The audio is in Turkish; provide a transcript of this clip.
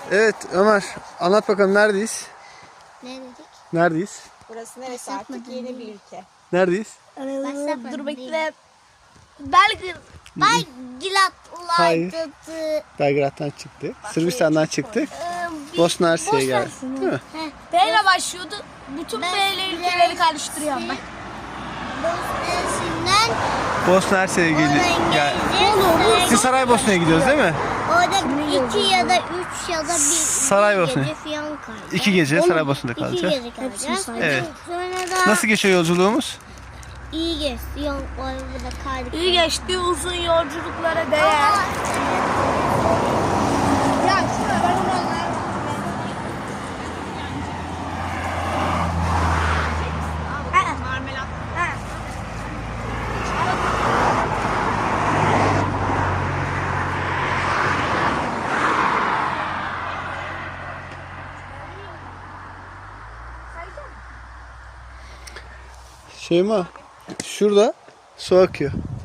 Evet Ömer, anlat bakalım neredeyiz? Ne dedik? Neredeyiz? Burası neresi artık? Yeni bir ülke. Neredeyiz? Dur bekle. Belgrad. Hayır. Belgrad'laydı. Belgrad'dan çıktı. Sırbistan'dan çıktık. Bosna Hersek'e geldik. Değil mi? B ile başlıyordu. Bütün B ile ülkeleri karıştırıyorum ben. Bosna'sından Bosna Hersek'e gel. Siz Saraybosna'ya gidiyoruz değil mi? orada 2 ya da 3 ya da 1 Saraybosna. gece falan kalacağız. 2 gece Saraybosna'da 2 kalacağız. gece kalacağız. Evet. Sonra da Nasıl geçiyor yolculuğumuz? iyi geçti. Yok orada kaldık. İyi geçti, uzun yolculuklara değer. Ya şuna ben onu anlarım. Marmelat. Şeyma, şurada su akıyor.